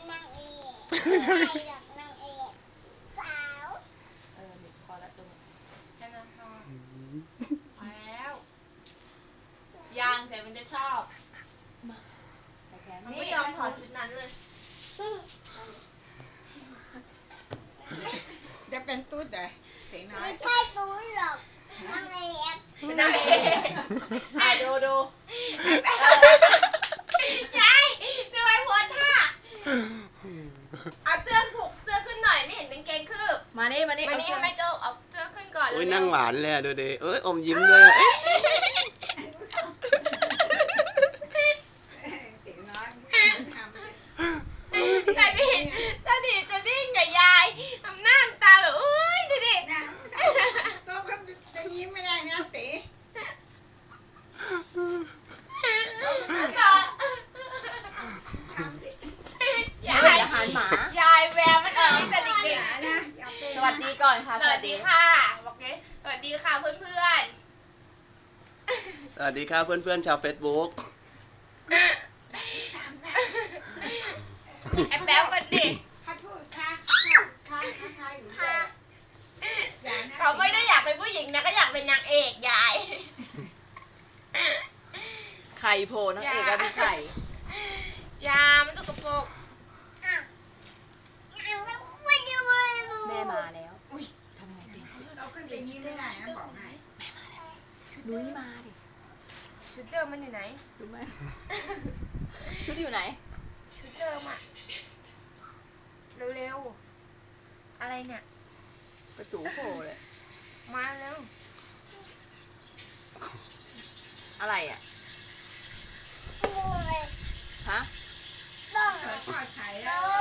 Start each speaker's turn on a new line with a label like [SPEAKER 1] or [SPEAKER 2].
[SPEAKER 1] นางเอกใครอยากนางเอกสาว
[SPEAKER 2] เด็กพอแล้วตรงนี้แค่นั้นพอพอแล้วยังแต่มันจะชอบมันไม่ยอมถอดชุดนั้นเลย
[SPEAKER 3] จะเป็นตุ๊ดเหรอเสียงน้อย
[SPEAKER 1] ไม่ใช่ตูนหรอกนางเอก
[SPEAKER 2] นางเอกดูยายดูไอ้โพสท่าเอาเสื้อผูกเสื้อขึ้นหน่อยไม่เห็นกางเกงคืบมานี่ให้แม่โจ้เอาเสื้อขึ้นก่อนเลย
[SPEAKER 4] โอ้ยนั่งหวานเลยดูดิเอ้ยอมยิ้มเลยอะ
[SPEAKER 3] เสียงน้อยทำ
[SPEAKER 2] จะดิ้งกับยายทำหน้าตาแบบอุ้ยดูดิ
[SPEAKER 3] นะโซ่ก็จะยิ้มไม่ได้นะเต๋
[SPEAKER 2] ยายหันหมายายแววมันออกแต่เด็ก
[SPEAKER 3] นะ
[SPEAKER 2] ๆสวัสดีก่อนค่ะสวัสดีค่ะบอกเลยสวัสดีค่ะเพื่อน
[SPEAKER 4] สวัสดีครับเพื่อนๆชาวเฟซบุ๊ก
[SPEAKER 2] ๆแอบแป๊บกันดิ
[SPEAKER 3] เขาพูดค่ะอยู่เลย
[SPEAKER 2] เขาไม่ได้อยากเป็นผู้หญิงนะก็อยากเป็นนางเอกยาย
[SPEAKER 5] ไข่โผล่นางเอกแล้วมีไข่
[SPEAKER 2] ยามันตกกระโปรง
[SPEAKER 1] อ่ะมาดูเลย
[SPEAKER 5] แม่มาแล้วทำไงดี
[SPEAKER 3] เราขึ้นไปยิ้มไม่ได้นะบอกให้
[SPEAKER 5] นุ้ยมาดิ
[SPEAKER 2] ชุดเดิมมันอยู่ไหน
[SPEAKER 5] รู้ไหม ชุดอยู่ไหน
[SPEAKER 2] ชุดเดิมอะเร็วๆอะไรเนี่ย
[SPEAKER 5] ประตูโผล่เลย
[SPEAKER 2] มาแล้ว
[SPEAKER 5] อะไรอ่ะ
[SPEAKER 1] ดูเลย
[SPEAKER 5] ฮะ
[SPEAKER 1] ต้อง
[SPEAKER 3] ทอดไข่
[SPEAKER 1] เล
[SPEAKER 3] แล้ว
[SPEAKER 1] ย